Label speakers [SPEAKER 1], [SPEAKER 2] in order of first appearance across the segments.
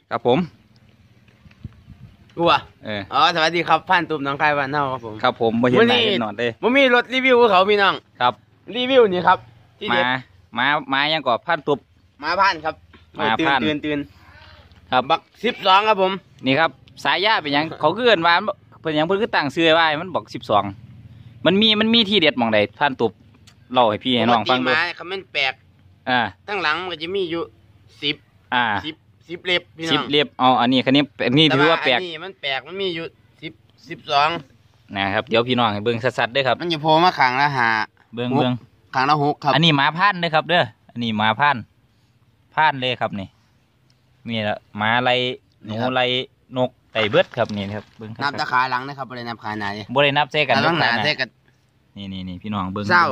[SPEAKER 1] ครับผม
[SPEAKER 2] กูอ่ะอ๋อสวัสดีครับพันตุ่มน้องคายวันเน่าครับผม
[SPEAKER 1] ครับผมมาเห็นไหนนอนเลย
[SPEAKER 2] ผมมีรถรีวิวเขาพี่น้อง
[SPEAKER 1] ครับ
[SPEAKER 2] รีวิวนี่ครับ
[SPEAKER 1] มายังก่อพันตุบ
[SPEAKER 2] มาพันครับ
[SPEAKER 1] มาพัน
[SPEAKER 2] ตื่น
[SPEAKER 1] ครับ
[SPEAKER 2] บัก12ครับผม
[SPEAKER 1] นี่ครับสายยาเป็นยังเขาเกินว่าเป็นยังเพิ่นคือตั้งชื่อไว้มันบอก12มันมีที่เด็ดมองใดพันตุบเล่าให้พี่ให้น้องฟังดู
[SPEAKER 2] คำมันแปลกตั้งหลังมันก็จะมีอยู่10เล็บพี่น้อง
[SPEAKER 1] 10เล็บอันนี้ถือว่าแปลก
[SPEAKER 2] นี่มันแปลกมันมีอยู่12
[SPEAKER 1] นะครับเดี๋ยวพี่น้องให้เบิ่งสัดๆด้วยครับ
[SPEAKER 2] มันจะโผล่มาขังละ5
[SPEAKER 1] เบิ่ง
[SPEAKER 2] ขังละ6ครับ
[SPEAKER 1] อันนี้หมาพันธุ์ด้วยครับเด้ออันนี้หมาพันธุ์เลยครับนี่ละหมาไรหนูไรนกไก่เบิดครับนี่ครับเบิ่ง
[SPEAKER 2] นับตะขาหลังนะครับบริเวณนับขาไหน
[SPEAKER 1] บริเวณนับเซกัน
[SPEAKER 2] ต้องหนาเซกัน
[SPEAKER 1] นี่พี่น้องเบิ่ง
[SPEAKER 2] เศร้า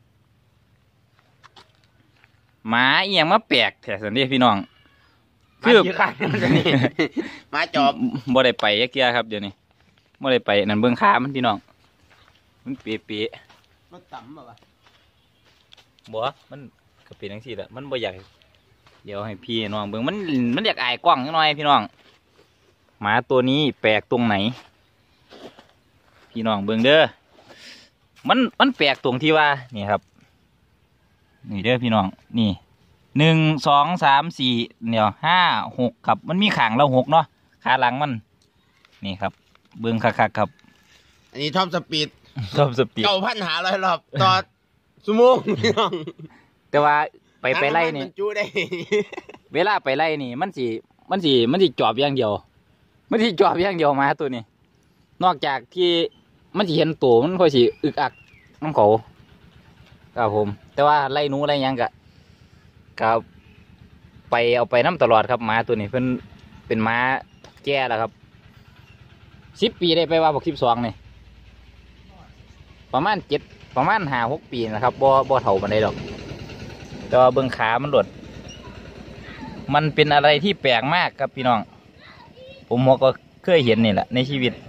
[SPEAKER 1] หมาเอียงมาแปลกแถวสันเดียพี่น้อง
[SPEAKER 2] คือหมาจอบ
[SPEAKER 1] บ่ได้ไปยักเกียครับเดี๋ยวนี้บ่ได้ไปนั่นเบิ่งขามันพี่น้องมันเปี๊ะ
[SPEAKER 2] มันต่ำป่ะ
[SPEAKER 1] บ่มันก็เป็นจังซี่แหละมันบ่อยากเดี๋ยวให้พี่น้องเบิ่งมันอยากอายกล้องหน่อยพี่น้องหมาตัวนี้แปลกตรงไหนพี่น้องเบิ่งเด้อมันแปลกตรงที่ว่านี่ครับนี่เด้อพี่น้องนี่1 2 3 4เดี๋ยว5 6ครับมันมีขางเรา6เนาะขาหลังมันนี่ครับเบิ่งคักๆครับ
[SPEAKER 2] อันนี้ท็อปสปีด9,500 รอบต่อชั่วโมงพี่น้อง
[SPEAKER 1] แต่ว่าไปไล่นี่
[SPEAKER 2] จูได้
[SPEAKER 1] เวลาไปไล่นี่มันสิจอบอย่างเดียวมาตัวนี้นอกจากที่มันสิเห็นตัวมันค่อยสิอึกอักน้ำเขาครับผมแต่ว่าไล่หนูไล่ยังกะเอาไปน้ำตลอดครับหมาตัวนี้เพิ่นเป็นหมาแก่แล้วครับ10 ปีได้ไปว่าบอก12นี่ประมาณ5-6 ปีนะครับบ่เท่ามันได้ดอกแต่ว่าเบื้องขามันหลดมันเป็นอะไรที่แปลกมากครับพี่น้องผมก็เคยเห็นนี่แหละในชีวิต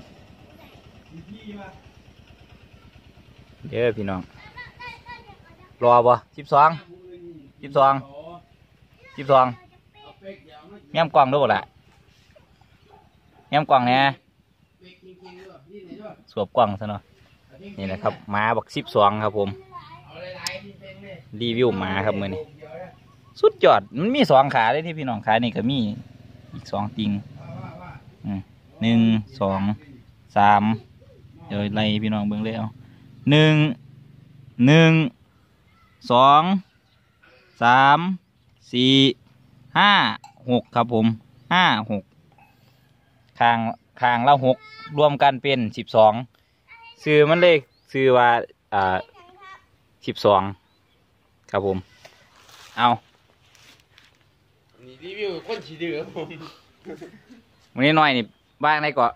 [SPEAKER 1] เด้อพี่น้องรอบ่12แง้มกล้องด้วยบ่ล่ะแง้มกล้องเนี่ยสวบกล้องซะเนาะนี่นะครับหมาบัก12ครับผมรีวิวหมาครับมือนี้สุดยอดมันมี2 ขาเลยที่พี่น้องขานี่ก็มีอีก2 ติง1 2 3เดี๋ยวไล่พี่น้องเบิ่งเลยเอา1 2 3 4 5 6ครับผม5 6คางละ6รวมกันเป็น12ซื้อมันเลขซื้อว่า12ครับผมเอา
[SPEAKER 2] นี่รีวิวคนฉีดื้อครับผม
[SPEAKER 1] วันนี้หน่อยนี่บ้างได้ก่อน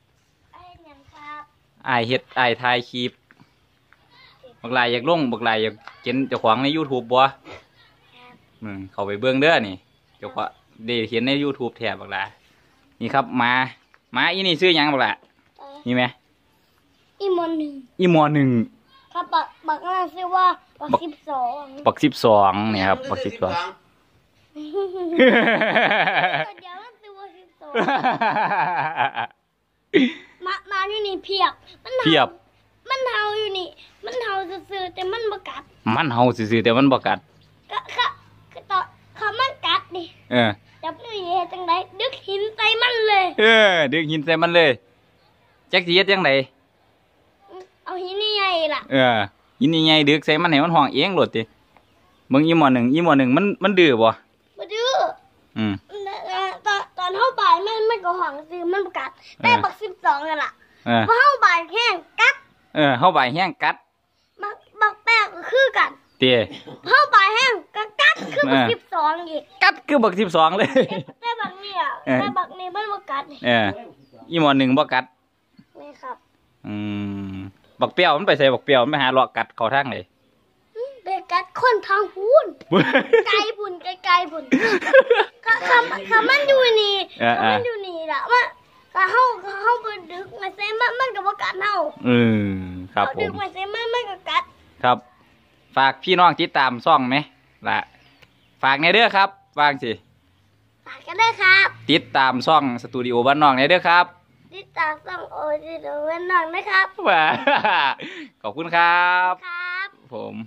[SPEAKER 1] ไอเฮ็ดไอถ่ายคลิปบักลายอยากลงบักลายอยากเห็นเจ้าของใน YouTube บ่เข้าไปเบิ่งเด้อนี่เจ้าของได้เห็นใน YouTube แถบบักลานี่ครับมาอีนี่ซื้อยังบักลานี่ไหม
[SPEAKER 3] อีม
[SPEAKER 1] อ 1
[SPEAKER 3] ครับบักนั่นชื่อว่าบัก
[SPEAKER 1] 12เนี่ยครับบัก12
[SPEAKER 3] เดี๋ยวมันชื่อว่า12มาอยู่นี่เพียบมันเห่าอยู่นี่มันเห่าซื่อๆแต่มันบ่กัดก็ต่อเขามันกัดดิจับนี่เฮ็ดจังไดดึกหินใส่มันเลย
[SPEAKER 1] ดึกหินใส่มันเลยจักสิเฮ็ดจังได
[SPEAKER 3] เอาหินใหญ่ล่ะ
[SPEAKER 1] หินใหญ่ดึกใส่มันให้มันห้องเองโลดติมึงอีหมอหนึ่งมันดื้อบ่
[SPEAKER 3] ดื้อตอนเฮาบ่ายมันก็ห้องซื่อมันบ่กัดแต่บัก12นั่นล่ะพอเฮาบ่ายแห้งกัด
[SPEAKER 1] เฮาบ่ายแห้งกัด
[SPEAKER 3] บักแป้งก็คือกัน
[SPEAKER 1] เตี้ย
[SPEAKER 3] เฮาบ่ายแห้งก็กัดคือบัก12อีก
[SPEAKER 1] กัดคือบัก12เลย
[SPEAKER 3] แต่บักนี่มันบ่กัด
[SPEAKER 1] อีหมอหนึ่งบ่กัด
[SPEAKER 3] นี่ครับ
[SPEAKER 1] บักเปรี้ยวมันไปใส่บักเปรี้ยวมันไปหาเลาะกัดเขาทางไหน
[SPEAKER 3] ไปกัดคนทางพูนไกลบุญเขามันอยู่นี่ล่ะมันเขาไปดึกมาใส่มันก็บ่กัดเฮา
[SPEAKER 1] ครับผม
[SPEAKER 3] ดึกมาใส่มันก็กัด
[SPEAKER 1] ครับฝากพี่น้องติดตามช่องไหมล่ะฝากในเด้อครับวางสิ
[SPEAKER 3] ฝากกันด้วยครับ
[SPEAKER 1] ติดตามช่องสตูดิโอบ้านนอกเนี่ยเด้อครับ
[SPEAKER 3] ติดตามส่องโอจิโดเวนนอนนะครับ
[SPEAKER 1] ว้าขอบคุณครับ
[SPEAKER 3] ครับ
[SPEAKER 1] ผม